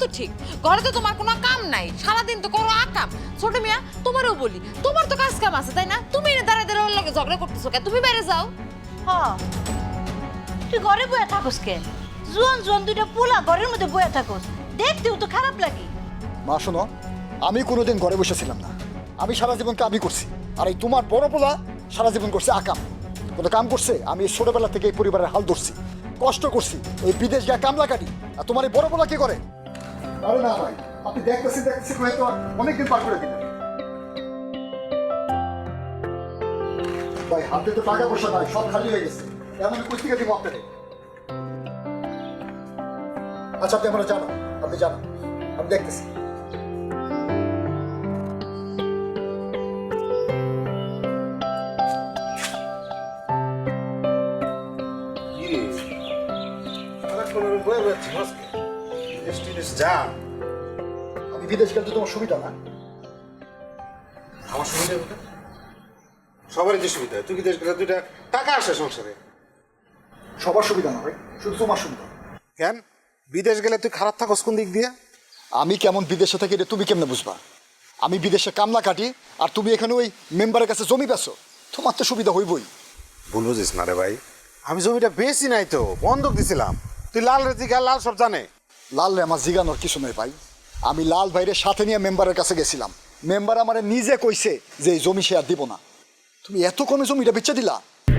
তো ঠিক, ঘরে তো তোমার কোনো কাম নাই, সারাদিন তো করো আকাম। ছোট মিয়া তোমারও বলি, তোমার তো কাজ কাম আছে তাই না? তুমি এনে দাঁড়ায় দাঁড়ায় ওর লগে ঝগড়া করতেছো কেন? তুমি বাইরে যাও। হ্যাঁ, তুই ঘরে বয়ে থাকোস কেন? জোয়ান জোয়ান দুইটা পোলা ঘরের মধ্যে বয়ে থাকোস, দেখতেও তো খারাপ লাগে। মা শোনো, আমি কোনোদিন ঘরে বসেছিলাম না, আমি সারা জীবন কামই করছি। আর এই তোমার বড় পোলা সারা জীবন করছে আকাম, কোনো কাম করছে? আমি এই ছোটবেলা থেকে এই পরিবারের হাল ধরছি, কষ্ট করছি, এই বিদেশ গিয়ে কামলা কাটি। আর তোমার এই বড় পোলা কি করে? আরে না ভাই, আপনি দেখতেছি হয়তো অনেকদিন পার করে দিলেন। ভাই হাতে তো টাকা পয়সা নাই, সব খালি হয়ে গেছে, এমন কুস্তিকা দিব আপনাকে। আচ্ছা আপনি আমরা জানো, আপনি জানো, আমি দেখতেছি। আমি বিদেশ গেলে তো তোমার সুবিধা না। আমার সুবিধা কোথায়? সবারই যে সুবিধা, তুই বিদেশ গেলে দুইটা টাকা আসে সংসারে। সবার সুবিধা না ভাই, শুধু তোমার সুবিধা। কেন বিদেশ গেলে তুই খারাপ থাকস কোন দিক দিয়ে? আমি কেমন বিদেশে থাকি এটা তুমি কেমনে বুঝবা? আমি বিদেশে কামলা কাটি আর তুমি এখানে ওই মেম্বারের কাছে জমি বেচো, তোমার তো সুবিধা হইবই। ভুল বুঝিস না রে ভাই, আমি জমিটা বেশি নাই তো, বন্ধক দিছিলাম। তুই লাল রেতি গা, লাল সব জানে। লাল রে আমার জিগানোর কিছু নয় ভাই, আমি লাল ভাইরে সাথে নিয়ে মেম্বারের কাছে গেছিলাম, মেম্বার আমার নিজে কইছে যে এই জমি সে আর দিব না। তুমি এত কমে জমিটা বেচে দিলা?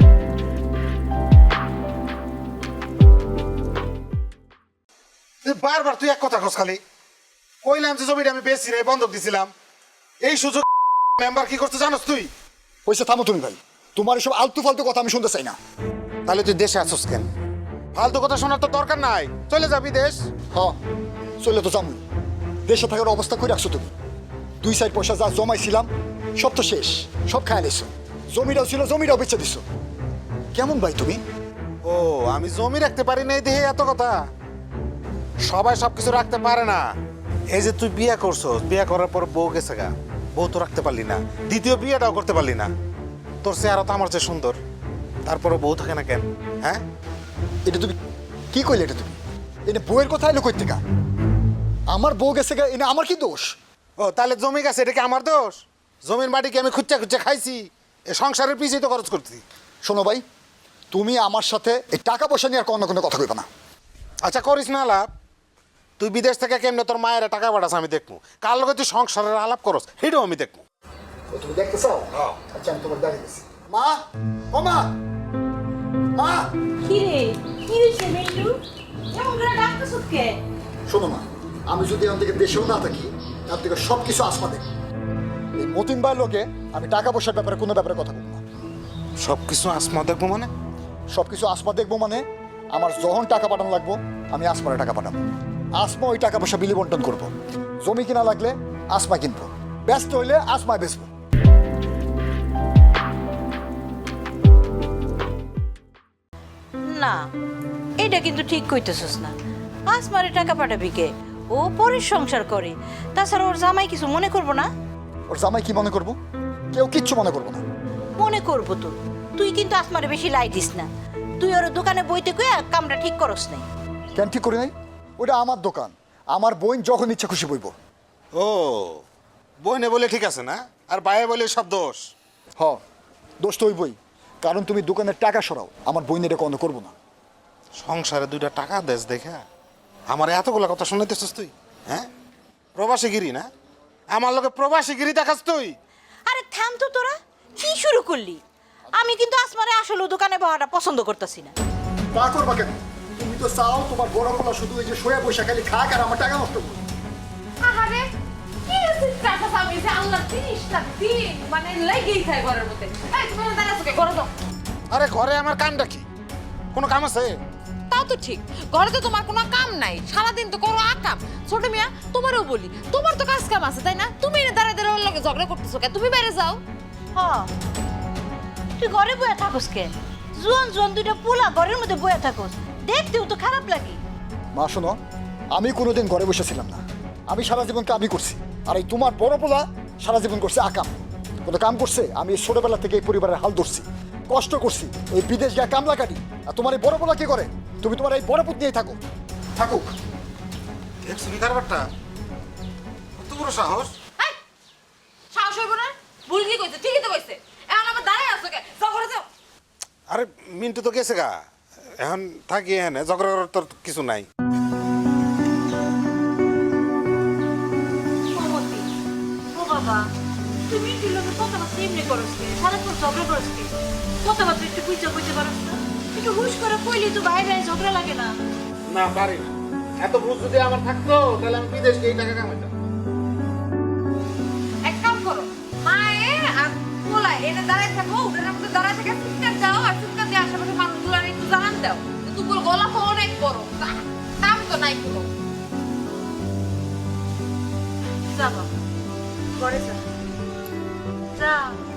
তুই বারবার তুই এক কথা কস খালি। কইলাম যে জমিটা আমি বেশি নাই, বন্ধক দিছিলাম। এই সুযোগ মেম্বার কি করতে জানোস তুই? পয়সা থামো তুমি ভাই, তোমার এসব আলতু ফালতু কথা আমি শুনতে চাই না। তাহলে তুই দেশে আসছ কেন? ফালতু কথা শোনার তো দরকার নাই, চলে যাবি দেশ। হ্যাঁ চলে তো যাবো, দেশে থাকার অবস্থা করে রাখছো তুমি। 2 সাইড পয়সা যা জমাইছিলাম সব তো শেষ, সব খায় নিছো। জমিটাও ছিল, জমিটাও বেচে দিছো। কেমন ভাই তুমি? ও আমি জমি রাখতে পারি না এই দেহে এত কথা? সবাই সবকিছু রাখতে পারে না। এই যে তুই বিয়ে করছো, বিয়ে করার পর বউ গেছে গা, বউ তো রাখতে পারলি না, দ্বিতীয় বিয়েটাও করতে পারলি না। তোর চেহারা তো আমার চেয়ে সুন্দর, তারপরে বউ থাকে না কেন? হ্যাঁ এটা তুমি কি কইলে? এটা তুমি এনে বউয়ের কথা এলো কই থেকে? আমার বউ গেছে গা, এনে আমার কি দোষ? ও তাহলে জমি গেছে, এটা কি আমার দোষ? জমির মাটি কি আমি খুঁজে খুঁজে খাইছি? এ সংসারের পিছিয়ে তো খরচ করছি। শোনো ভাই, তুমি আমার সাথে এই টাকা পয়সা নিয়ে আর কোনো কোনো কথা কইবা না। আচ্ছা করিস না আলাপ, তুই বিদেশ থেকে কেমনে তোর মায়ের টাকা পাঠাস আমি দেখবো, কার লগে তুই সংসারের আলাপ করস সেটাও আমি দেখবো। তুমি দেখতে চাও? আচ্ছা আমি তোমার দেখাইতেছি। মা, ও মা, মা। কি রে, কি হয়েছে মিন্টু? এমন করে ডাকতেছ কে? শোনো মা, আমি যদি এখান থেকে দেশেও না থাকি, তার থেকে সব কিছু আসমা দেখবো। এই মতিন ভাইয়ের লোকে আমি টাকা পয়সার ব্যাপারে কোনো ব্যাপারে কথা বলবো না। সব কিছু আসমা দেখবো মানে? সব কিছু আসমা দেখবো মানে আমার যখন টাকা পাঠানো লাগবো আমি আসমারে টাকা পাঠাবো। আসমা ওই টাকা পয়সা বিলি বন্টন করবো। জমি কিনা লাগলে আসমা কিনবো, ব্যস্ত হইলে আসমায় বেচবো। না, এটা কিন্তু ঠিক কইতেছস না। আসমারে টাকা পাঠাবি কে? ও পরের সংসার করে, তাছাড়া ওর জামাই কিছু মনে করবো না? ওর জামাই কি মনে করবো? কেউ কিচ্ছু মনে করবো না। মনে করবো তো। তুই কিন্তু আসমারে বেশি লাই দিস না। তুই ওর দোকানে বইতে কইয়া কামটা ঠিক করস নাই। কেন ঠিক করি নাই? ওটা আমার দোকান, আমার বোন যখন ইচ্ছা খুশি বইব। ও বইনে বলে ঠিক আছে না, আর বাইরে বলে সব দোষ? হ, দোষ তো হইবই, কারণ তুমি দোকানের টাকা সরাও, আমার বোন এটা কোনো করবো না। সংসারে দুইটা টাকা দেশ দেখা আমার এতগুলো কথা শুনাইতেছিস তুই? হ্যাঁ প্রবাসীগিরি না, আমার লোকে প্রবাসীগিরি দেখাস তুই? আরে থাম তো তোরা, কি শুরু করলি? আমি কিন্তু আসমারে আসলে দোকানে বহাটা পছন্দ করতেছি না। তা করবা কেন? তুমি তো চাও তোমার বড় পোলা শুধু এই যে শোয়া পয়সা খালি খাক আর আমার টাকা নষ্ট করবে। আহারে কি আছে টাকা পাবি যে আল্লাহ 30টা দিন মানে লেগেই থাকে ঘরের মধ্যে। এই তুমি দাঁড়াছো কে? ঘরে দাও। আরে ঘরে আমার কামটা কি? কোনো কাম আছে? তাও তো ঠিক, ঘরে তো তোমার কোনো কাম নাই, সারাদিন তো করো আকাম। ছোট মিয়া তোমারও বলি, তোমার তো কাজ কাম আছে তাই না? তুমি এনে দাঁড়ায় দাঁড়ায় ওর লগে ঝগড়া করতেছো কেন? তুমি বাইরে যাও। হ্যাঁ, তুই ঘরে বয়ে থাকোস কেন? জোয়ান জোয়ান দুইটা পোলা ঘরের মধ্যে বয়ে থাকোস, দেখতেও তো খারাপ লাগে। মা শোনো, আমি কোনোদিন ঘরে বসেছিলাম না, আমি সারা জীবন কামই করছি। আর এই তোমার বড় পোলা সারা জীবন করছে আকাম, কোনো কাম করছে? আমি এই ছোটবেলা থেকে এই পরিবারের হাল ধরছি, কষ্ট করছি, এই বিদেশ গিয়ে কামলা কাটি। আর তোমার এই বড় পোলা কি করে? তুমি তোমার এই বড় পুত নিয়েই থাকো, থাকুক। দেখছো কি কারবারটা? কত বড় সাহস! এই, সাহস হইব না? ভুল কি কইছে? ঠিকই তো কইছে। এখন আবার দাঁড়ায় আছো কে? যাও ঘরে যাও। আরে মিন্টু তো গেছে গা, এখন থাকি এখানে, ঝগড়া করার তোর কিছু নাই। মমতি ও বাবা তুমি দিল কথাবার্তা এমনি করস কে সারাক্ষণ ঝগড়া করস কে কথাবার্তা একটু বুঝা বুঝতে পারস না একটু হুশ করে কইলি তো বাইরে ঝগড়া লাগে না না পারি না, এত বুঝ যদি আমার থাকতো তাহলে আমি বিদেশ গিয়ে টাকা কামাইতাম। এক কাম করো, মায়ে আর পোলায় এনে দাঁড়ায় থাকো, উঠোনের মধ্যে দাঁড়ায় থেকে চিৎকার দাও, আর চিৎকার দিয়ে আশেপাশে মানুষগুলো একটু জানান দাও যে দুপুর গলা তো অনেক বড়, কাম তো নাই কোনো। যা বাবা ঘরে যা যা